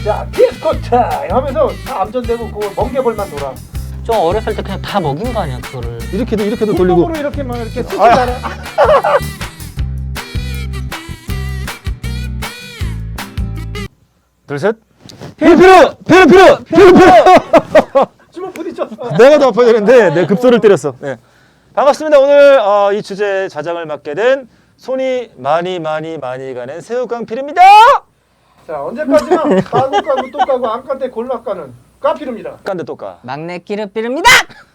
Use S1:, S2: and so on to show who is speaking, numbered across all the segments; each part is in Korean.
S1: 자, 디스코 타임 하면서 다 암전되고 그 멍게벌만 돌아.
S2: 좀 어렸을 때 그냥 다 먹인 거 아니야 그거를.
S3: 이렇게도 돌리고.
S1: 콩으로 이렇게 막 이렇게 쓰잖아.
S3: 둘 셋. 필요.
S1: 주먹 부딪혔어.
S3: 내가 더 아파야 되는데 내 급소를 때렸어. 네. 반갑습니다. 오늘 이 주제 자장을 맡게 된 손이 많이 가는 새우깡필입니다.
S1: 자, 언제까지나 까고 또 까고 안 깐 때 골라 까는 까필입니다.
S3: 깐데 또 까.
S2: 막내 끼르삐릅니다.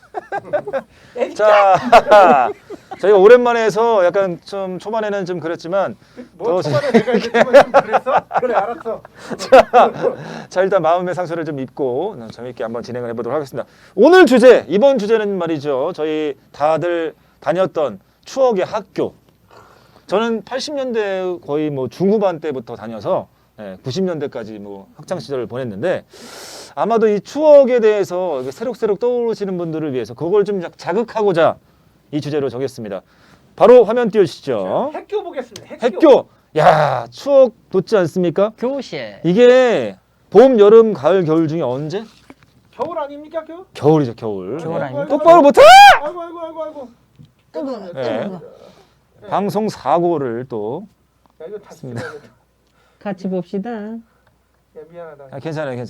S3: 자, 저희가 오랜만에 해서 약간 좀 초반에는 좀 그랬지만
S1: 뭐
S3: 더
S1: 초반에 내가 이제 좀 그랬어? 그래 알았어.
S3: 자 일단 마음의 상처를 좀 입고 재밌게 한번 진행을 해보도록 하겠습니다. 오늘 주제, 이번 주제는 말이죠. 저희 다들 다녔던 추억의 학교. 저는 80년대 거의 뭐 중후반 때부터 다녀서 90년대까지 뭐 학창 시절을 보냈는데 아마도 이 추억에 대해서 이렇게 새록새록 떠오르시는 분들을 위해서 그걸 좀 자극하고자 이 주제로 정했습니다. 바로 화면 띄워주시죠.
S1: 학교 보겠습니다.
S3: 학교. 야, 추억 돋지 않습니까?
S2: 교실.
S3: 이게 봄, 여름, 가을, 겨울 중에 언제?
S1: 겨울 아닙니까 겨울?
S3: 겨울이죠, 겨울.
S2: 겨울 아닙니까?
S3: 똑바로 못해!
S1: 아이고.
S3: 네. 방송 사고를 또.
S1: 야 이거 다
S3: 맞습니다.
S1: 쓰면
S2: 같이 봅시다.
S1: 야 미안하다.
S3: 괜찮아요.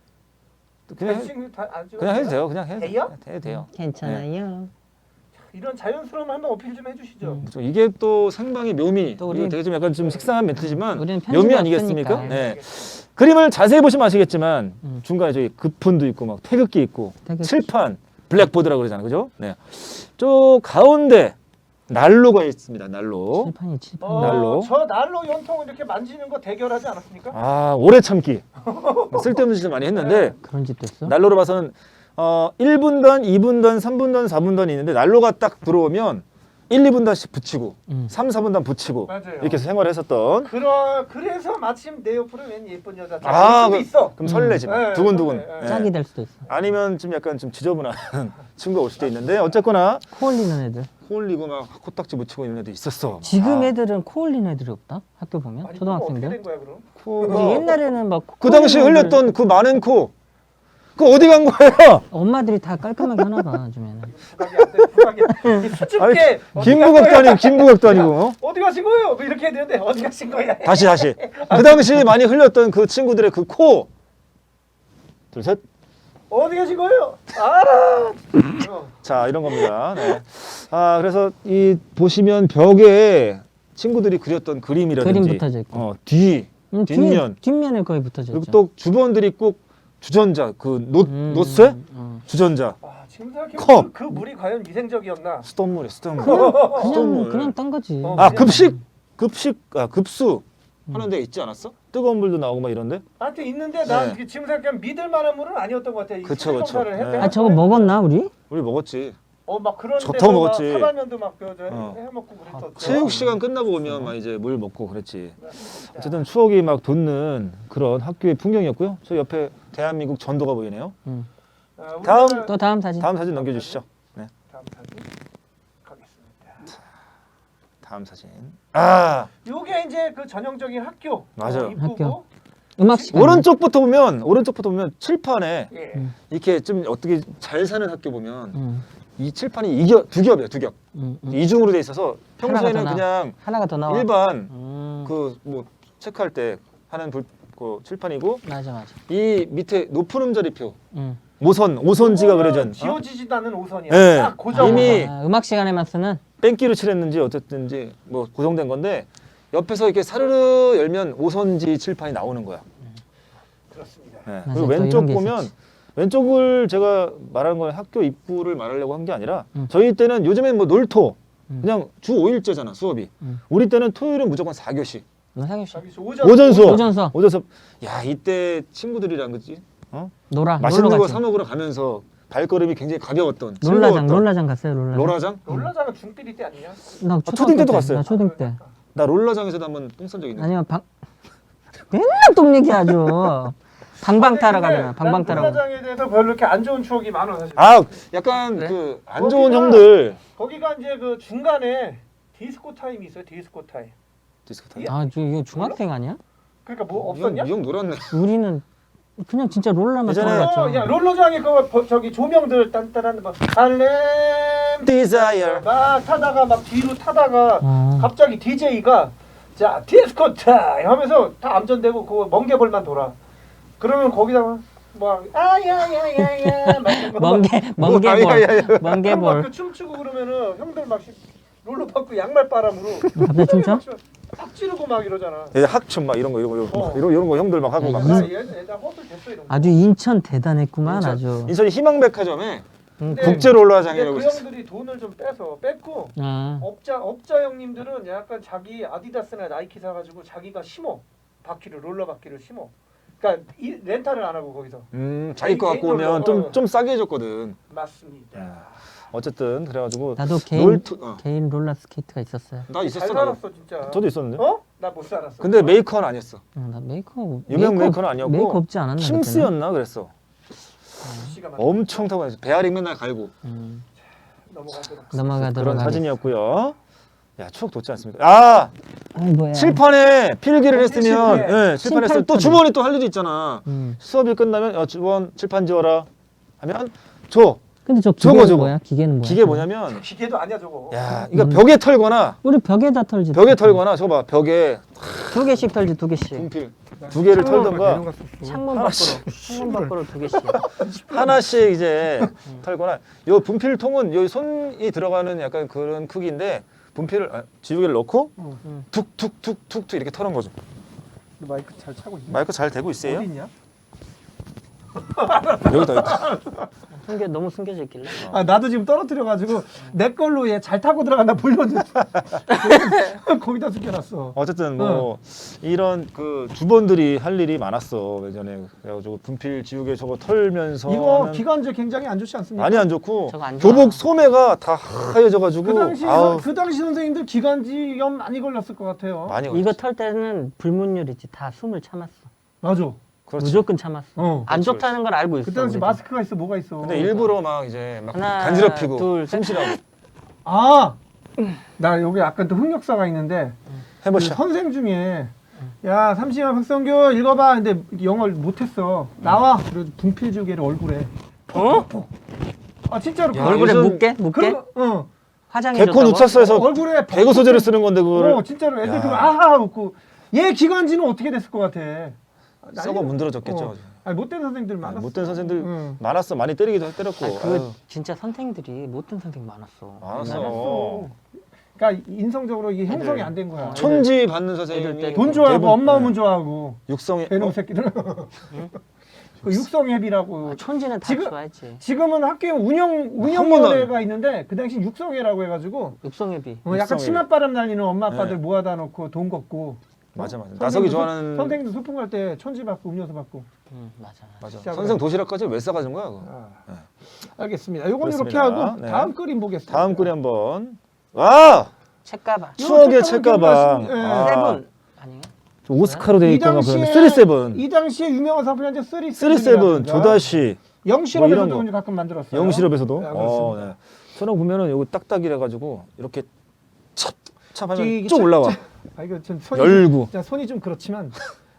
S3: 그냥 해도 돼요. 그냥 해도
S1: 돼요?
S3: 돼요.
S2: 괜찮아요.
S1: 이런 자연스러움 한번 어필 좀 해주시죠.
S3: 그렇죠. 이게 또 생방의 묘미.
S2: 또 우리-
S3: 이거 되게 좀 약간 좀 식상한 멘트지만
S2: 우리는 편집이
S3: 묘미 아니겠습니까?
S2: 없으니까.
S3: 네. 그림을 자세히 보시면 아시겠지만 중간에 저기 급폰도 있고 막 태극기 있고
S2: 태극기.
S3: 칠판, 블랙보드라고 그러잖아요. 그죠? 네. 저 가운데 난로가 있습니다. 난로.
S2: 칠판이.
S3: 난로.
S1: 저 난로 연통 이렇게 만지는 거 대결하지 않았습니까?
S3: 아, 오래 참기. 쓸데없는 짓을 많이 했는데
S2: 그런 집도 있어?
S3: 난로로 봐서는 1분단, 2분단, 3분단, 4분단이 있는데 난로가 딱 들어오면 1, 2분단씩 붙이고 3, 4분단 붙이고
S1: 맞아요.
S3: 이렇게 해서 생활을 했었던.
S1: 그래서 마침 내 옆으로 웬 예쁜 여자
S3: 아,
S1: 수도 있어.
S3: 그럼 설레지.
S1: 네,
S3: 두근두근.
S1: 설레.
S3: 네.
S2: 짝이 될 수도 있어.
S3: 아니면 좀 약간 좀 지저분한 친구가 올 수도 있는데 어쨌거나
S2: 코 올리는 애들.
S3: 코 올리고 막 코딱지 묻히고 있는 애도 있었어.
S2: 지금
S3: 아,
S2: 애들은 코 올리는 애들이 없다? 학교 보면?
S1: 아니,
S2: 초등학생들?
S1: 어떻게 된 거야 그럼?
S3: 코가
S2: 옛날에는 막
S3: 그 당시
S2: 코 올리는
S3: 흘렸던 그 많은 코. 그거 어디 간 거예요?
S2: 엄마들이 다 깔끔하게 하나 봐 요즘에는.
S1: 부각이 안 돼. 부각이. 수줍게.
S3: 김부각도 아니고 김부각도 아니고. 어?
S1: 어디 가신 거예요? 뭐 이렇게 해야 되는데 어디 가신 거야?
S3: 다시. 그 당시 많이 흘렸던 그 친구들의 그 코. 둘, 셋.
S1: 어디 가신 거예요? 알아.
S3: 자, 이런 겁니다. 네. 아, 그래서 이 보시면 벽에 친구들이 그렸던 그림이라든지
S2: 그림 붙어져 있고.
S3: 뒷면
S2: 뒷면에 거의 붙어져
S3: 그리고
S2: 있죠.
S3: 또 주번들이 꼭 주전자 그 노쇠 주전자
S1: 아, 지금 생각해
S3: 컵.
S1: 그 물이 과연 위생적이었나?
S3: 수돗물이 수돗물.
S2: 그냥 딴 거지.
S1: 어.
S3: 아, 급수 하는 데 있지 않았어? 뜨거운 물도 나오고 막 이런데.
S1: 나한테 있는데 난
S3: 네.
S1: 지금 생각하면 믿을 만한 물은 아니었던 것 같아. 이
S3: 그쵸, 그쵸.
S1: 수질검사를 했대.
S3: 네.
S2: 아 저거 먹었나 우리?
S3: 우리 먹었지.
S1: 막 그런
S3: 좋다고
S1: 데서
S3: 먹었지.
S1: 막 사발면도 막
S3: 어.
S1: 해먹고 그랬었죠.
S3: 체육 시간 끝나고 오면 막 이제 물 먹고 그랬지. 어쨌든 추억이 막 돋는 그런 학교의 풍경이었고요. 저 옆에 대한민국 전도가 보이네요.
S1: 아, 우리나라-
S3: 다음.
S2: 또 다음 사진.
S3: 다음 사진 넘겨주시죠. 네.
S1: 다음 사진 가겠습니다.
S3: 다음 사진. 아,
S1: 요게 이제 그 전형적인 학교.
S3: 맞아요.
S1: 입구고.
S2: 학교. 음악 시간.
S3: 오른쪽부터 보면 칠판에
S1: 예.
S3: 이렇게 좀 어떻게 잘 사는 학교 보면 이 칠판이 두 겹이에요, 두 겹. 이중으로 돼 있어서 평소에는 그냥
S2: 하나가 더 나와.
S3: 일반
S2: 음.
S3: 그 뭐 체크할 때 하는 그 칠판이고
S2: 맞아.
S3: 이 밑에 높은 음자리표
S2: 음.
S3: 오선지가 그려진
S1: 지워지지도 않은 오선이야.
S3: 네.
S1: 딱 고정
S3: 이미
S1: 오선.
S2: 음악 시간에만 쓰는.
S3: 뺑기로 칠했는지 어쨌든지 뭐 고정된 건데 옆에서 이렇게 사르르 열면 오선지 칠판이 나오는 거야.
S1: 그렇습니다.
S3: 네.
S2: 맞아요.
S3: 그리고
S2: 또
S3: 왼쪽
S2: 이런 게
S3: 보면
S2: 있었지.
S3: 왼쪽을 제가 말하는 건 학교 입구를 말하려고 한 게 아니라 저희 때는 요즘엔 뭐 놀토 그냥 주 5일제잖아 수업이. 우리 때는 토요일은 무조건 4교시.
S2: 상규 씨.
S1: 자기 오전
S3: 오전 수업.
S2: 오전 수업.
S3: 야, 이때 친구들이랑 그지?
S2: 놀아.
S3: 맛있는
S2: 놀러
S3: 거
S2: 갔지.
S3: 사 먹으러 가면서 발걸음이 굉장히 가벼웠던
S2: 롤라장 갔어요. 롤라장.
S3: 롤라장?
S1: 롤라장은 중비리 때 아니냐?
S2: 나
S3: 초딩 때도 갔어요.
S2: 나 초등 때.
S3: 나 롤라장에서도 한번 똥 싼 적 있는데.
S2: 아니면 맨날 똥 얘기하죠. 방방 타러 가면 방방 타러 가면.
S1: 롤라장에 대해서 별로 이렇게 안 좋은 추억이 많아 사실.
S3: 아, 약간
S2: 그래?
S3: 그 안 좋은
S1: 거기가-
S3: 형들.
S1: 거기가 이제 그 중간에 디스코 타임이 있어요. 디스코 타임.
S3: 디스코 타임.
S2: 아, 이거 중학생 아니야?
S1: 그러니까 뭐 없었냐?
S3: 이형 놀았네.
S2: 우리는 그냥 진짜 롤러만
S3: 예전에-
S2: 타고
S1: 야
S2: 갔죠.
S1: 롤러장에 그 저기 조명들 딴딴한 막 할렘
S3: Desire.
S1: 막 타다가 막 뒤로 타다가
S2: 아.
S1: 갑자기 DJ가 자 디스코 타임 하면서 다 암전되고 그거 멍게볼만 돌아. 그러면 거기다가 막 아야야야야 막 이런 거 막
S2: 멍게볼.
S1: 그 춤추고 그러면은 형들 막 롤러 받고 양말 바람으로
S2: 갑자기 춤춰?
S1: 팍 찌르고 막 이러잖아.
S3: 예, 학춤 막 이런 거 이런 거 형들 막 하고 막.
S1: 나 얘다 허들 됐어 이런 거.
S2: 아주 인천 대단했구만
S3: 인천.
S2: 아주.
S3: 인천이 희망백화점에
S1: 근데
S3: 국제 롤러장이라고
S1: 그
S3: 있었어.
S1: 형들이 돈을 좀 뺐고
S2: 아.
S1: 업자 형님들은 약간 자기 아디다스나 나이키 사가지고 자기가 심어 바퀴를 롤러 바퀴를 심어. 그러니까 렌탈을 안 하고 거기서.
S3: 자기 거 갖고
S1: 개인
S3: 오면
S1: 롤러.
S3: 좀 싸게 해줬거든.
S1: 맞습니다.
S3: 어쨌든 그래가지고
S2: 나도 개인 롤러 스케이트가 있었어요.
S3: 나
S1: 잘
S3: 있었어. 나도.
S1: 살았어 진짜.
S3: 저도 있었는데.
S1: 어? 나 못 살았어.
S3: 근데 메이커는 아니었어.
S2: 나
S3: 유명 메이커는 아니었고
S2: 메이커 없지 않았나?
S3: 킴스였나 그랬어.
S1: 시가
S3: 엄청 타고 다녔어. 베어링 맨날 갈고.
S1: 넘어가도록.
S2: 넘어가도록
S3: 그런
S2: 하겠습니다.
S3: 사진이었고요. 야 추억 돋지 않습니까? 아
S2: 뭐야?
S3: 칠판에 필기를 했으면
S1: 칠판에.
S3: 칠판에 했으면 또
S2: 18판에.
S3: 주번에 또 할 일이 있잖아. 수업이 끝나면 주번 칠판 지워라 하면 줘.
S2: 근데 저
S3: 저거,
S2: 기계는
S3: 저거.
S2: 뭐야? 기계는 뭐야?
S3: 기계 뭐냐면
S1: 기계도 아니야 저거.
S3: 야 이거 벽에 털거나
S2: 우리 벽에다 털지.
S3: 저거 봐 벽에
S2: 2개씩 털지 2개씩.
S3: 분필 2개를 털던가
S2: 창문 밖으로 2개씩.
S3: 하나씩 이제 털거나 요 분필통은 요 손이 들어가는 약간 그런 크기인데 분필을 지우개를 넣고 툭툭툭툭툭 이렇게 털은 거죠.
S1: 마이크 잘 차고 있냐?
S3: 마이크 잘 되고 있어요?
S1: 어디 있냐?
S3: 여기다
S2: 너무 숨겨져 있길래.
S1: 아 나도 지금 떨어뜨려가지고 내 걸로 얘 잘 타고 들어간다 불러줘. 거기다 숨겨놨어.
S3: 어쨌든 뭐 이런 그 주번들이 할 일이 많았어 예전에. 그래가지고 분필 지우개 저거 털면서
S1: 이거
S3: 하는-
S1: 기관지 굉장히 안 좋지 않습니까?
S3: 많이 안 좋고
S2: 저거 안 좋아.
S3: 교복 소매가 다 하얘져가지고
S1: 그 당시 선생님들 기관지염 많이 걸렸을 것 같아요.
S3: 많이
S2: 이거
S3: 걸렸어.
S2: 털 때는 불문율이지. 다 숨을 참았어.
S1: 맞아.
S3: 그렇지.
S2: 무조건 참았어.
S1: 어.
S2: 안 좋다는 걸 알고 있어.
S1: 그 당시
S2: 우리도.
S1: 마스크가 있어 뭐가 있어.
S3: 근데 일부러 막 이제 막
S2: 하나,
S3: 간지럽히고
S2: 둘, 셋.
S3: 숨쉬라고
S1: 아, 나 여기 약간 또 흑역사가 있는데 그
S3: 해보시죠.
S1: 선생 중에 야 삼시야 박성규 읽어봐. 근데 영어를 못했어. 나와. 그래도 분필 주개를 얼굴에.
S2: 어?
S1: 아 진짜로.
S3: 야,
S2: 얼굴에
S3: 요즘
S2: 묻게? 묻게?
S1: 어.
S2: 화장해
S3: 개콘
S2: 줬다고?
S3: 우차서에서
S1: 얼굴에
S3: 배구 소재를 쓰는 건데 그거를
S1: 어 진짜로 애들
S3: 야.
S1: 그거 아하 웃고 얘 기관지는 어떻게 됐을 것 같아.
S3: 썩어 문드러졌겠죠.
S1: 어. 아니 못된 선생님들 많았어.
S3: 못된 선생들
S1: 응.
S3: 많았어. 많이 때리기도 때렸고.
S2: 그 진짜 선생들이 못된 선생 많았어.
S3: 많았어.
S1: 그러니까 인성적으로 이게 형성이 안 된 거야.
S3: 촌지 받는
S2: 애들
S3: 선생님이
S2: 때리고.
S1: 돈 좋아하고
S3: 대부분,
S1: 엄마 오면
S3: 네.
S1: 좋아하고
S3: 육성에
S1: 배놈 새끼들. 그 육성회비라고.
S2: 촌지는 다
S1: 지금-
S2: 좋아했지.
S1: 지금은 학교 운영위원회가 있는데 그 당시 육성회라고 해가지고
S2: 육성회비.
S1: 약간
S3: 육성회.
S1: 치맛바람 날리는 엄마 아빠들
S3: 네.
S1: 모아다 놓고 돈 걷고.
S3: 맞아.
S1: 선생님도
S3: 나석이 좋아하는
S1: 선생님도 소풍 갈 때 천지 받고 음료수 받고.
S2: 맞아.
S3: 맞아.
S1: 진짜
S3: 선생 도시락까지 왜 싸가지고 거야? 그거?
S1: 알겠습니다. 요건 이렇게
S3: 그렇습니다.
S1: 하고
S3: 네.
S1: 다음 그림 보겠습니다.
S3: 다음 글이 한번. 와
S2: 책가방.
S3: 추억의
S1: 책가방
S3: 책가방.
S1: 기억나시죠? 예.
S3: 아,
S2: 세븐 아니에요?
S3: 오스카로 돼
S1: 이
S3: 있거나
S1: 당시에
S3: 그러면 37.
S1: 이 당시에 유명한 상품이 이제
S3: 37 조다시
S1: 영실업에서도
S3: 뭐 이런 거.
S1: 가끔 만들었어요.
S3: 영실업에서도.
S1: 네, 그렇습니다.
S3: 네. 저런 보면은 요거 딱딱이래 가지고 이렇게 찹 하면
S1: 이게
S3: 쭉 올라와.
S1: 아 이거 좀 손이
S3: 열고.
S1: 좀, 손이 좀 그렇지만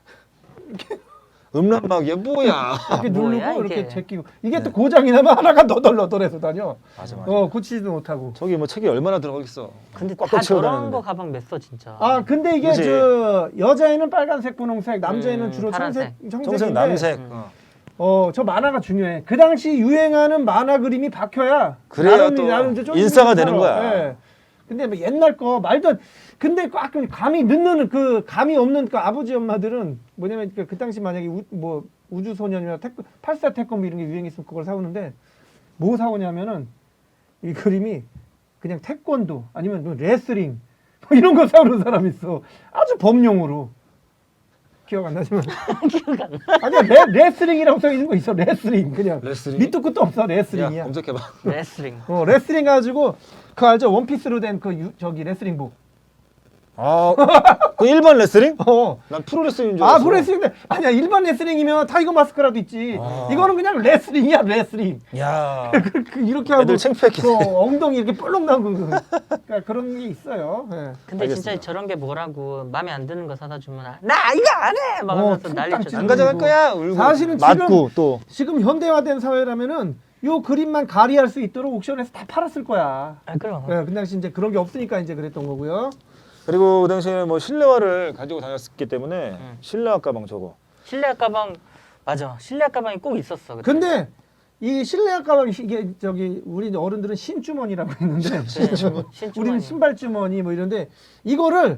S3: 음란막이야 뭐야?
S1: 이렇게
S2: 뭐야,
S1: 누르고 이렇게
S2: 이게?
S1: 제끼고 이게 또 고장이 나면 하나가 너덜너덜해서 다녀.
S3: 맞아.
S1: 고치지도 못하고.
S3: 저기 뭐 책이 얼마나 들어가겠어.
S2: 근데
S3: 꽉꽉
S2: 다
S3: 채워
S2: 저런
S3: 다니는데.
S2: 거 가방 맸어 진짜.
S1: 아 근데 이게
S3: 그치.
S1: 저 여자애는 빨간색, 분홍색, 남자애는 주로
S2: 파란색.
S1: 청색인데
S3: 청색 남색.
S1: 저 만화가 중요해. 그 당시 유행하는 만화 그림이 박혀야
S3: 그래야 또
S1: 이제 좀
S3: 인싸가
S1: 좀
S3: 되는
S1: 살아.
S3: 거야.
S1: 예. 근데 뭐 옛날 거 말도 근데 가끔 감이 늦는 그 감이 없는 그 아버지 엄마들은 뭐냐면 그 당시 만약에 뭐 우주소년이나 84 태권도 이런 게 유행했으면 그걸 사오는데 뭐 사오냐면은 이 그림이 그냥 태권도 아니면 뭐 레슬링 뭐 이런 거 사오는 사람이 있어. 아주 범용으로. 기억 안 나지만
S2: 기억 안 나.
S1: 아니야 레슬링이라고 써 있는 거 있어. 레슬링 그냥
S3: 레슬링?
S1: 밑도 끝도 없어.
S3: 야
S1: 레슬링이야.
S3: 검색해봐.
S2: 레슬링.
S1: 레슬링 가지고 그 알죠? 원피스로 된 그 저기 레슬링복.
S3: 아, 그 일반 레슬링?
S1: 어.
S3: 난 프로레슬링인 줄 알았어.
S1: 아 프로레슬링 아니야 일반 레슬링이면 타이거 마스크라도 있지.
S3: 아.
S1: 이거는 그냥 레슬링이야 레슬링.
S3: 야.
S1: 이렇게 하고
S3: 애들 창피했겠네.
S1: 엉덩이 이렇게 볼록 나고 그러니까 그런 게 있어요. 예.
S2: 근데
S3: 알겠습니다.
S2: 진짜 저런 게 뭐라고 마음에 안 드는 거 사다 주면 나 이거 안 해! 막 하면서
S1: 퉁땅
S2: 난리
S1: 찌르고.
S3: 안
S2: 쳤어.
S3: 가져갈 거야. 울고.
S1: 사실은
S3: 맞고 또.
S1: 지금 현대화된 사회라면은 요 그림만 가리할 수 있도록 옥션에서 다 팔았을 거야.
S2: 아, 그럼.
S1: 예, 그 당시 이제 그런 게 없으니까 이제 그랬던 거고요.
S3: 그리고 그 당시에는 뭐 실내화를 가지고 다녔기 때문에 실내화 가방 저거.
S2: 실내화 가방 맞아. 실내화 가방이 꼭 있었어. 그때.
S1: 근데 이 실내화 가방 이게 저기 우리 어른들은 신주머니라고 했는데
S2: 신주머니.
S1: 우리는 신발 주머니 뭐 이런데 이거를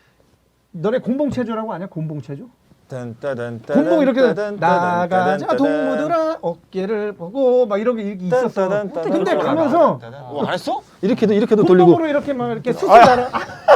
S1: 너네 공봉체조라고 아냐? 공봉체조? 공봉 이렇게 나가자 동무들아 어깨를 보고 막 이런 게 이렇게 있었어. 근데 가면서
S3: 안 했어? 이렇게도 돌리고.
S1: 공봉으로 이렇게 막 이렇게 수술 달아.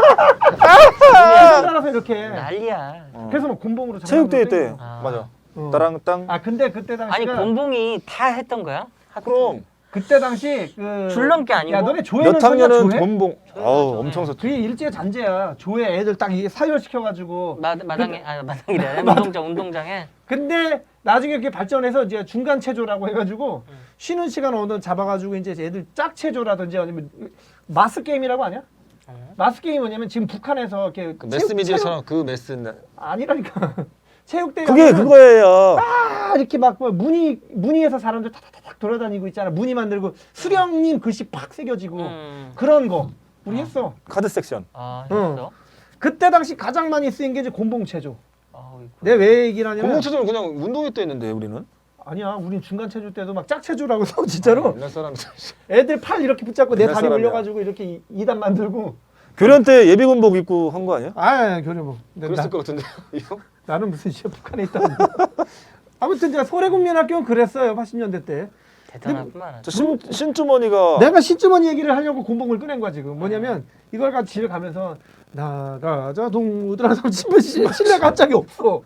S1: 수술 달아서 이렇게.
S2: 난리야.
S1: 그래서 뭐 공봉으로
S3: 체육대회 때
S1: 장난으로
S2: 아.
S3: 맞아.
S1: 어.
S3: 따랑 땅.
S1: 아 근데 그때
S2: 아니
S1: 당시가
S2: 곤봉이 다 했던 거야?
S3: 그럼
S1: 그때 당시 그
S2: 줄넘기 아니고?
S1: 야 너네 조회는
S3: 몇 학년은
S1: 조회?
S3: 곤봉. 아우
S2: 조회.
S3: 엄청 섰.
S1: 그게 일제 잔재야. 조회 애들 딱 이게 사열시켜가지고.
S2: 마당에 마당이래. 운동장에.
S1: 근데 나중에 그게 발전해서 이제 중간 체조라고 해가지고 쉬는 시간 어느 잡아가지고 이제 애들 짝 체조라든지 아니면 마스 게임이라고 아냐? 마스 게임이 뭐냐면 지금 북한에서 이렇게
S3: 그 매스미디어처럼 그 매스.
S1: 아니라니까 체육대회
S3: 그게
S1: 하면은
S3: 그거예요.
S1: 아 이렇게 막뭐 무늬에서 사람들 탁탁탁 돌아다니고 있잖아. 무늬 만들고 수령님 글씨 팍 새겨지고 그런 거 우리 했어.
S3: 카드 섹션.
S2: 아,
S1: 응.
S2: 했어?
S1: 그때 당시 가장 많이 쓰인 게 이제 곤봉체조.
S2: 아우, 이거.
S1: 내 왜 얘기를 하냐면
S3: 곤봉체조는 그냥 운동회 때 했는데 우리는.
S1: 아니야 우린 중간 체조 때도 막 짝체조라고 해서 진짜로
S3: 옛날 사람.
S1: 애들 팔 이렇게 붙잡고 내
S3: 옛날
S1: 다리
S3: 사람이야.
S1: 올려가지고 이렇게 2단 만들고
S3: 교련 때 예비군복 입고 한 거 아니야?
S1: 아 교려복
S3: 그랬을 것 같은데. 이거?
S1: 나는 무슨 진짜 북한에 있다고 아무튼 제가 소래국민학교는 그랬어요 80년대 때
S2: 대단하구만.
S3: 저 신주머니가
S1: 내가 신주머니 얘기를 하려고 곤봉을 꺼낸 거야 지금 뭐냐면 이걸 가지고 집에 가면서 나가자 동무들아 실내 갑자기 없어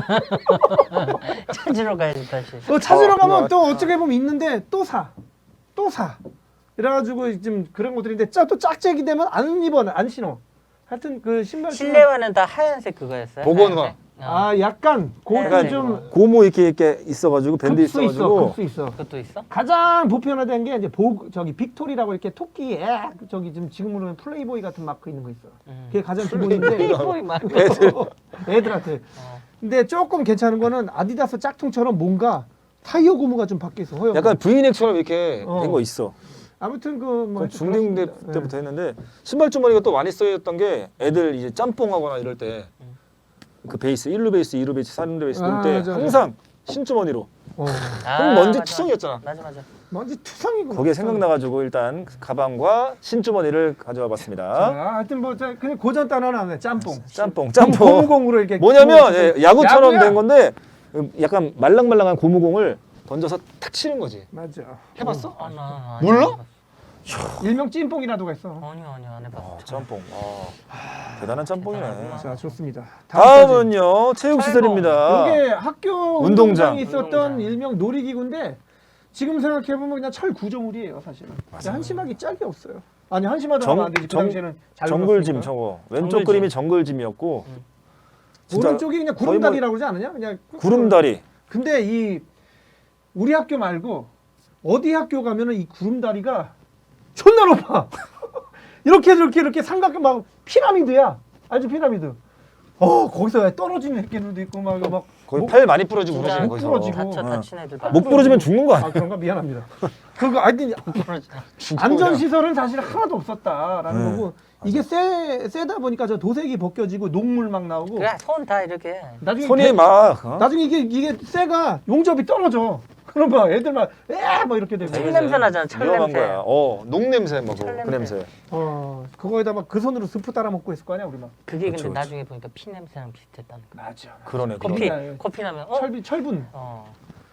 S2: 찾으러 가야지 다시.
S1: 찾으러 가면
S3: 그래.
S1: 또 어떻게 보면 있는데 또 사 이래가지고 지금 그런 것들인데 또 짝짝이 되면 안 입어 안 신어 하여튼 그 신발
S2: 실내화는 다 하얀색 그거였어요?
S3: 복원화.
S2: 하얀색?
S1: 아 약간 그것도
S2: 약간
S1: 좀
S3: 고무 이렇게 있어가지고 밴드
S1: 급수 있어
S3: 있어가지고
S1: 급수 있어
S2: 그것도 있어?
S1: 가장 보편화된 게 이제 저기 빅토리라고 이렇게 토끼 저기 지금으로 는 플레이보이 같은 마크 있는 거 있어. 그게 가장 기본인데
S2: 플레이보이 막.
S1: 애들한테. 근데 조금 괜찮은 거는 아디다스 짝퉁처럼 뭔가 타이어 고무가 좀 바뀌어 있어. 허용.
S3: 약간 브이넥처럼 이렇게
S1: 어.
S3: 된 거 있어.
S1: 아무튼 그뭐
S3: 그건 중딩 때부터 했는데 신발 주머니가 또 많이 쓰였던 게 애들 이제 짬뽕하거나 이럴 때 그 베이스 1루 베이스, 2루 베이스, 3루 베이스
S1: 아,
S3: 놀 때
S1: 맞아, 맞아.
S3: 항상 신주머니로.
S2: 아,
S3: 그럼 먼지
S2: 맞아.
S3: 투성이었잖아.
S2: 맞아.
S1: 먼지 투성이고.
S3: 거기에 생각나가지고 일단 가방과 신주머니를 가져와 봤습니다.
S1: 자, 하여튼 뭐 그냥 고전 단어는 안 해. 짬뽕.
S3: 짬뽕.
S1: 고무공으로 이렇게.
S3: 뭐냐면 예, 야구처럼
S1: 야구야.
S3: 된 건데 약간 말랑말랑한 고무공을 던져서 탁 치는 거지.
S1: 맞아.
S3: 해봤어?
S2: 아, 나
S3: 몰라?
S1: 일명 찐뽕이라도가 있어.
S2: 아니요 안 해봤어.
S3: 짬뽕. 대단한 짬뽕이네.
S2: 대단하구나.
S1: 자 좋습니다. 다음까지.
S3: 다음은요 체육시설입니다.
S1: 이게 학교
S3: 운동장.
S1: 운동장에 있었던
S2: 운동장.
S1: 일명 놀이기구인데 지금 생각해보면 그냥 철 구조물이에요 사실은. 한심하기 짝이 없어요. 아니 한심하다고 하면 안 되지. 그 당시에는 잘
S3: 정글짐
S1: 놀았으니까.
S3: 저거 왼쪽
S2: 정글짐.
S3: 그림이 정글짐이었고 진짜
S1: 오른쪽이 그냥
S3: 거의
S1: 구름다리라고 그러지 않느냐? 그냥
S3: 구름다리.
S1: 근데 이 우리 학교 말고 어디 학교 가면은 이 구름다리가 존나 높아. 이렇게 삼각형 막 피라미드야. 알지 피라미드. 거기서 떨어지는 새끼들도 있고 막
S3: 거의
S1: 목-
S3: 팔 많이 부러지고
S2: 진짜
S3: 그러지
S1: 목
S3: 거기서.
S1: 부러지고.
S2: 다친 애들 봐.
S3: 목 부러지면 죽는 거 아니야?
S1: 아 그런가 미안합니다. 그거 아니 안전 시설은 사실 하나도 없었다라는
S3: 네,
S1: 거고 이게 세다 보니까 저 도색이 벗겨지고 녹물 막 나오고
S2: 그래 손 다 이렇게.
S1: 나중에
S3: 손이 막
S1: 나중에 이게 쇠가 용접이 떨어져. 그럼 막 애들 막 이렇게 되고.
S2: 철 냄새 나잖아. 철
S3: 위험한
S2: 냄새.
S3: 거야. 녹 냄새 막
S2: 철
S3: 그 냄새.
S1: 그거에다 막 그 손으로 스프 따라 먹고 했을 거 아니야 우리 막.
S2: 그게 근데
S3: 그렇죠,
S2: 나중에 보니까 피 냄새랑 비슷했다는 거.
S1: 맞아.
S3: 그러네.
S2: 커피
S1: 그러네.
S2: 커피 나면
S1: 철분.
S2: 어.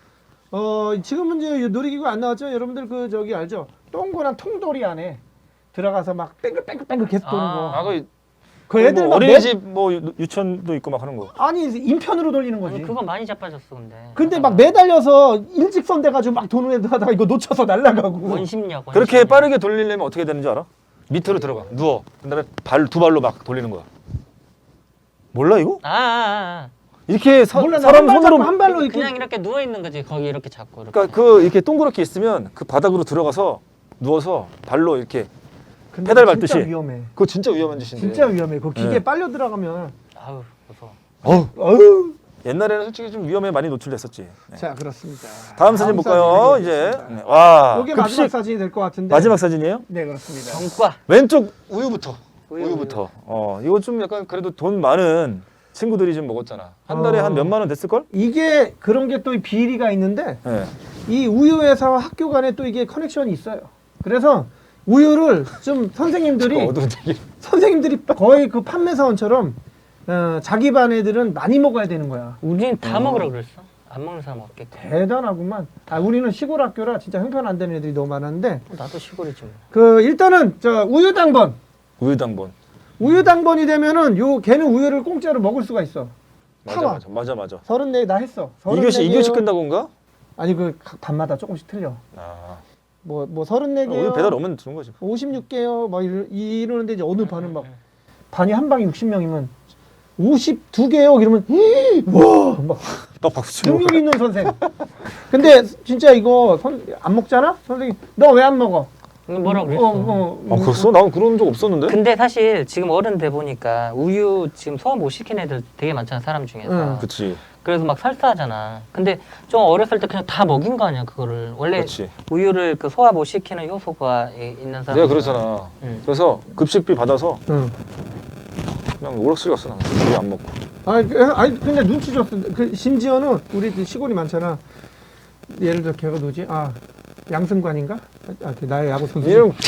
S1: 지금은 이제 놀이기구 안 나왔죠. 여러분들 그 저기 알죠? 동그란 통돌이 안에 들어가서 막 뺑글뺑글 계속 도는 거. 그 애들 막
S3: 어린이집 뭐 유치원도 있고 막 하는 거.
S1: 아니 인편으로 돌리는 거지.
S2: 아니 그거 많이 자빠졌어 근데.
S1: 근데 막 매달려서 일직선 돼가지고 막 도는 애들 하다가 이거 놓쳐서 날아가고.
S2: 원심력.
S3: 그렇게 빠르게 돌리려면 어떻게 되는지 알아? 밑으로 들어가. 누워. 그다음에 두 발로 막 돌리는 거야. 몰라 이거? 이렇게
S1: 몰라, 나
S3: 사람
S1: 한 발
S3: 손으로
S1: 잡고 한 발로 이렇게.
S2: 그냥 이렇게 누워 있는 거지. 거기 이렇게 잡고. 이렇게.
S3: 그러니까 그 이렇게 동그랗게 있으면 그 바닥으로 들어가서 누워서 발로 이렇게
S1: 근데
S3: 페달
S1: 진짜
S3: 밟듯이.
S1: 위험해.
S3: 그거 진짜 위험한 짓인데.
S1: 진짜 위험해. 그 기계
S3: 네.
S1: 빨려 들어가면.
S2: 아우 무서워.
S3: 어우. 옛날에는 솔직히 좀 위험에 많이 노출됐었지. 네.
S1: 자, 그렇습니다.
S3: 다음 사진 볼까요? 이제
S1: 사진이
S3: 네. 와.
S1: 이게
S3: 급식
S1: 마지막 사진이 될 것 같은데.
S3: 마지막 사진이에요?
S1: 네, 그렇습니다.
S2: 전과.
S3: 왼쪽 우유부터.
S2: 우유,
S3: 우유부터. 이거 좀 약간 그래도 돈 많은 친구들이 좀 먹었잖아. 한 달에 한 몇만 원 됐을 걸?
S1: 이게 그런 게 또 비리가 있는데
S3: 네.
S1: 이 우유회사와 학교 간에 또 이게 커넥션이 있어요. 그래서 우유를 좀
S3: 어두운 얘기.
S1: 선생님들이 거의 그 판매사원처럼 자기 반 애들은 많이 먹어야 되는 거야.
S2: 우리는 다 먹으라 그랬어. 안 먹는 사람 없겠고.
S1: 대단하구만. 우리는 시골 학교라 진짜 형편 안 되는 애들이 너무 많았는데
S2: 나도 시골이지. 뭐.
S1: 그 일단은 저 우유 당번.
S3: 우유당번.
S1: 우유 당번이 되면은 걔는 우유를 공짜로 먹을 수가 있어. 타와.
S3: 맞아.
S1: 34개 나 했어.
S3: 2교시 끝나고인가?
S1: 아니 그 반마다 조금씩 틀려.
S3: 아.
S1: 뭐 34개요.
S3: 우유 배달 오면 주는 거지.
S1: 56개요. 막 이러는데 이제 어느 반은 막 반이 한 방에 60명이면 52개요. 이러면 와막
S3: 박수 치고.
S1: 능력 있는 선생. 근데 진짜 이거 안 먹잖아? 선생님 너 왜 안 먹어?
S2: 뭐라 그랬어?
S3: 그랬어? 난 그런 적 없었는데.
S2: 근데 사실 지금 어른 돼 보니까 우유 지금 소화 못 시킨 애들 되게 많잖아 사람 중에서.
S1: 응.
S3: 그치.
S2: 그래서 막 설사하잖아. 근데 좀 어렸을 때 그냥 다 먹인 거 아니야 그거를. 원래
S3: 그렇지.
S2: 우유를 그 소화 못 시키는 효소가 있는 사람.
S3: 내가 그러잖아.
S2: 응.
S3: 그래서 급식비 받아서
S1: 응.
S3: 그냥 오락실 갔어. 난 우유 안 먹고.
S1: 아니 근데 눈치 줬어. 그 심지어는 우리 시골이 많잖아. 예를 들어 걔가 누구지? 양승관인가? 그 나의 야구 선수.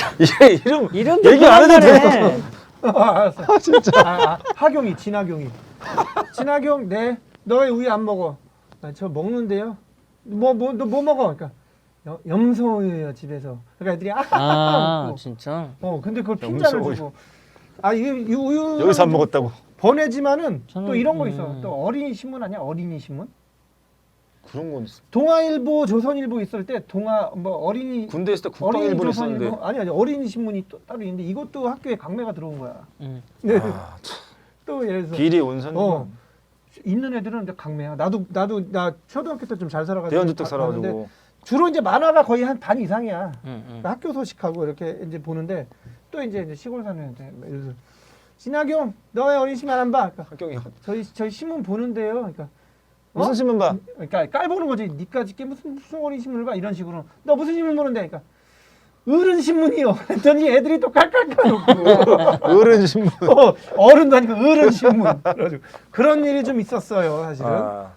S2: 이름
S3: 얘기 안 해도 돼.
S1: 알았어. 진짜. 하경이, 진하경이. 진하경, 네. 너 왜 우유 안 먹어? 저 먹는데요. 너 뭐 먹어? 그러니까 염소우유요 집에서. 그러니까 애들이 먹고.
S2: 진짜.
S1: 근데 그걸 핀잔을
S3: 염소우유.
S1: 주고. 이 우유
S3: 여기서 안 먹었다고.
S1: 보내지만은 또
S2: 저는,
S1: 이런 거 있어. 또 어린이 신문 아니야? 어린이 신문?
S3: 그런 건 있어.
S1: 동아일보, 조선일보 있을 때 어린이
S3: 군대 있을 때
S1: 어린이
S3: 국방일보를 썼는데.
S1: 조선일보 아니 어린이 신문이 또 따로 있는데 이것도 학교에 강매가 들어온 거야.
S2: 응.
S1: 네.
S3: 아, 참.
S1: 또 예를 들어서
S3: 비리 온선.
S1: 있는 애들은 이제 강매야. 나 초등학교 때 좀 잘 살아가지고
S3: 대연주택
S1: 봤는데
S3: 살아가지고.
S1: 주로 이제 만화가 거의 한 반 이상이야.
S2: 응.
S1: 학교 소식하고 이렇게 이제 보는데 또 이제 시골 사는 애들 예를 들어 진학용 너 왜 어린이 신문 안 봐? 그러니까
S3: 학경이
S1: 저희 신문 보는데요. 그러니까
S3: 무슨 신문 봐?
S1: 그러니까 깔보는 거지. 니까지 게 무슨 어린이 신문을 봐 이런 식으로. 너 무슨 신문 보는데? 그러니까 어른 신문이요. 했더니 애들이 또 깔깔깔놓고
S3: 어른 신문.
S1: 어른도 아니고 어른 신문. 그래가지고 그런 일이 좀 있었어요 사실은.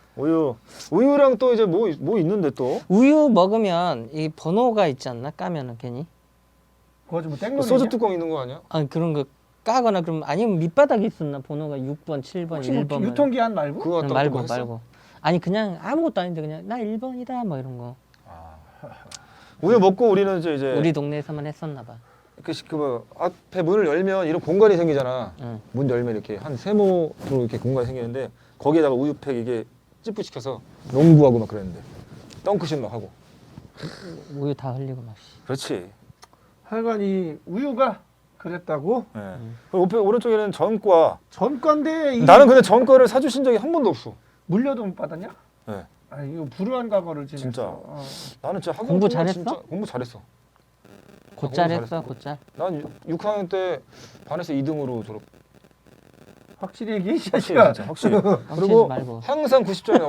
S3: 우유랑 또 이제 뭐 있는데 또
S2: 우유 먹으면 이 번호가 있지 않나? 까면은 괜히.
S1: 그거 좀 땡놀이.
S3: 소주 뚜껑 있는 거 아니야?
S2: 그런 거 까거나 그럼 아니면 밑바닥에 있었나 번호가 6번, 7번,
S1: 혹시 뭐
S2: 1번
S1: 유통기한 말고?
S3: 그거 갖다
S2: 말고
S3: 했어?
S2: 말고. 아니 그냥 아무것도 아닌데 그냥 나 1번이다 뭐 이런 거.
S3: 우유 먹고 우리는 이제
S2: 우리 동네에서만 했었나 봐.
S3: 그 앞에 문을 열면 이런 공간이 생기잖아.
S2: 응.
S3: 문 열면 이렇게 한 세모로 이렇게 공간이 생기는데 거기에다가 우유팩 이게 찌뿌 시켜서 농구하고 막 그랬는데 덩크슛 막 하고.
S2: 우유 다 흘리고 막.
S3: 그렇지.
S1: 하여간 이 우유가 그랬다고?
S3: 예. 그리고 오른쪽에는 전과.
S1: 전과인데
S3: 나는 근데 전과를 사주신 적이 한 번도 없어.
S1: 물려도 못 받았냐?
S3: 네.
S1: 이거 불우한 과거를
S3: 진짜.
S1: 지냈어.
S3: 나는 진짜 학원
S2: 공부
S3: 동안
S2: 잘했어?
S3: 진짜 공부 잘했어.
S2: 곧잘 했어,
S3: 잘했어.
S2: 곧잘.
S3: 난 6학년 때 반에서 2등으로 졸업.
S1: 확실히 얘기해 이
S3: 확실히
S1: 자식아.
S3: 진짜 확실히.
S2: 엉치지
S3: 그리고
S2: 말고.
S3: 항상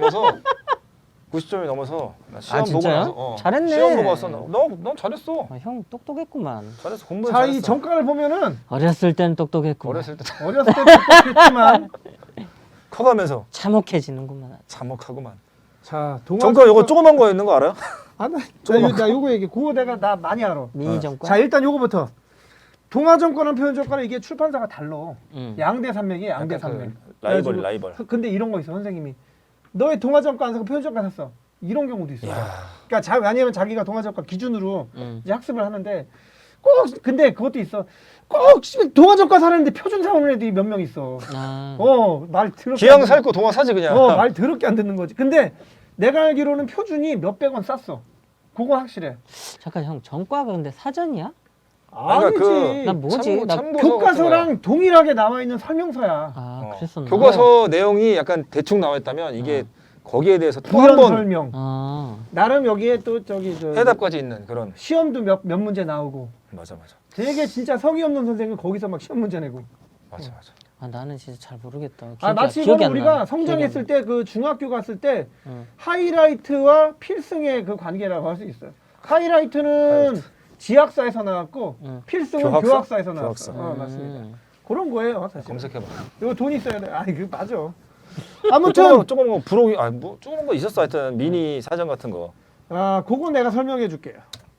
S3: 90점이 넘어서 나 시험 보고
S2: 진짜요?
S3: 나서
S2: 잘했네.
S3: 시험 보고 왔어. 난 잘했어.
S2: 형 똑똑했구만.
S3: 잘했어. 공부
S1: 자, 이
S3: 잘했어.
S1: 전과를 보면은
S2: 어렸을 땐 똑똑했구만.
S3: 어렸을 때
S1: 어렸을 때 똑똑했지만
S3: 커가면서
S2: 참혹해지는구만.
S3: 참혹하고만.
S1: 자,
S3: 전과 요거 조그만 거 있는 거 알아요?
S1: 나 요거 얘기. 그거 나 많이 알아.
S2: 미니 정권.
S1: 자, 일단 요거부터. 동아정권과 표현정권은 이게 출판사가 달라.
S2: 응.
S1: 양대 산맥이야, 양대
S3: 약간
S1: 산맥.
S3: 그 라이벌
S1: 그래가지고
S3: 라이벌.
S1: 근데 이런 거 있어, 선생님이. 너의 동아정권 안 사고 표현정권 샀어. 이런 경우도 있어.
S3: 야.
S1: 그러니까 왜냐면 자기가 동아정권 기준으로
S2: 응.
S1: 이제 학습을 하는데 근데 그것도 있어. 꼭 동아정권 사는데 표준 사오는 애들이 몇 명 있어. 말 더럽게
S3: 기왕 살거 동화 사지 그냥.
S1: 말 더럽게 안 듣는 거지. 근데 내가 알기로는 표준이 몇백 원 쌌어. 그거 확실해.
S2: 잠깐 형 전과가 근데 사전이야?
S3: 그러니까
S1: 아니지.
S2: 난 뭐지? 나
S3: 참고서
S1: 교과서랑 동일하게 나와 있는 설명서야.
S2: 아 그랬었나?
S3: 교과서 내용이 약간 대충 나와 있다면 이게 거기에 대해서 또
S1: 부연
S3: 한 번
S1: 설명.
S2: 아,
S1: 나름 여기에 또 저기 저
S3: 해답까지 있는 그런.
S1: 시험도 몇 문제 나오고.
S3: 맞아.
S1: 되게 진짜 성의 없는 선생은 거기서 막 시험 문제 내고.
S3: 맞아.
S2: 아 나는 진짜 잘 모르겠다.
S1: 마치
S2: 기억이
S1: 이거는
S2: 안
S1: 우리가
S2: 나.
S1: 성장했을 때 그 중학교 갔을 때
S2: 응.
S1: 하이라이트와 필승의 그 관계라고 할 수 있어요. 하이라이트는 지학사에서 나왔고
S2: 응.
S1: 필승은
S3: 교학사?
S1: 교학사에서
S3: 교학사.
S1: 나왔어. 맞습니다. 그런 거예요, 사실.
S3: 검색해봐.
S1: 이거 돈 있어야 돼. 아니 그 맞아.
S3: 아무튼
S1: 아무튼
S3: 조금 거 부록이 뭐 조금 거 있었어 하여튼 미니 사전 같은 거.
S1: 그거 내가 설명해 줄게요.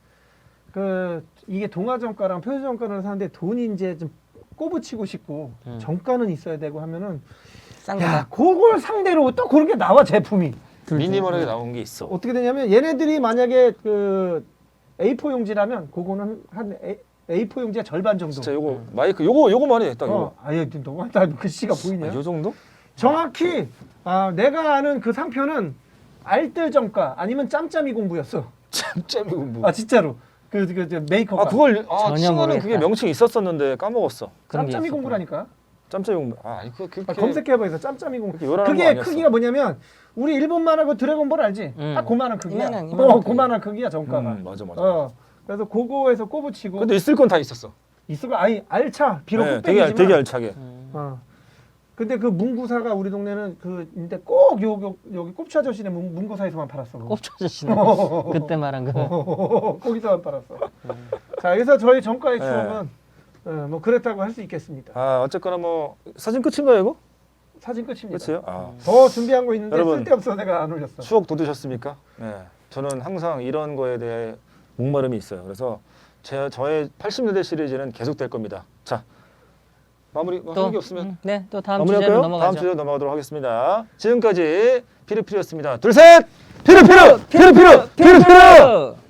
S1: 그 이게 동아정가랑 표준정가를 사는데 돈이 이제 좀 꼬부치고 싶고 정가는 있어야 되고 하면은
S2: 싼
S1: 야,
S2: 거다.
S1: 그걸 상대로 또 그런 게 나와 제품이.
S3: 미니멀하게 나온 게 있어.
S1: 어떻게 되냐면 얘네들이 만약에 그 A4 용지라면 그거는 한 A4 용지의 절반 정도.
S3: 진짜 요거 마이크 요거만 해. 딱 이거.
S1: 아예 너무 다 글씨가 보이냐?
S3: 요 정도?
S1: 정확히 내가 아는 그 상표는 알뜰정가 아니면 짬짬이 공부였어.
S3: 짬짬이 공부.
S1: 아 진짜로 그 메이커가.
S3: 그걸
S2: 전혀
S3: 친구는
S2: 모르겠다.
S3: 그게 명칭 있었었는데 까먹었어.
S2: 그런 게
S1: 짬짬이
S2: 있었구나.
S1: 공부라니까.
S3: 짬짬이 공부. 아니 그렇게
S1: 검색해봐서 짬짬이 공부.
S3: 그렇게 요란한 거
S1: 그게
S3: 아니었어.
S1: 크기가 뭐냐면 우리 일본 만화고 드래곤볼 알지? 딱 그만한 크기야.
S2: 이만한
S1: 그만한 크기야 정가가.
S3: 맞아.
S1: 그래서 그거에서 꼽으치고
S3: 근데 있을 건 다 있었어.
S1: 있을 아니 알차 비록
S3: 네,
S1: 흑백이지만.
S3: 되게 알차게.
S1: 근데 그 문구사가 우리 동네는 근데 꼭 여기 꼽치 아저씨네 문구사에서만 팔았어.
S2: 꼽초 아저씨네. 그때 말한 거.
S1: 거기서만 팔았어. 자, 그래서 저희 정가의
S3: 네.
S1: 추억은 뭐 그랬다고 할 수 있겠습니다.
S3: 어쨌거나 뭐 사진 끝인가요 이거?
S1: 사진 끝입니다.
S3: 끝이에요?
S1: 더 준비한 거 있는데
S3: 여러분,
S1: 쓸데없어 내가 안 올렸어.
S3: 추억 돋으셨습니까? 네. 저는 항상 이런 거에 대해 목마름이 있어요. 그래서 저의 80년대 시리즈는 계속될 겁니다. 자, 마무리 하는 게 없으면
S2: 네, 또 다음
S3: 마무리할까요?
S2: 주제로
S3: 다음
S2: 넘어가죠.
S3: 주제로 넘어가도록 하겠습니다. 지금까지 피르피르였습니다. 둘, 셋! 피르피르! 피르피르! 피르피르!
S2: 피르피르!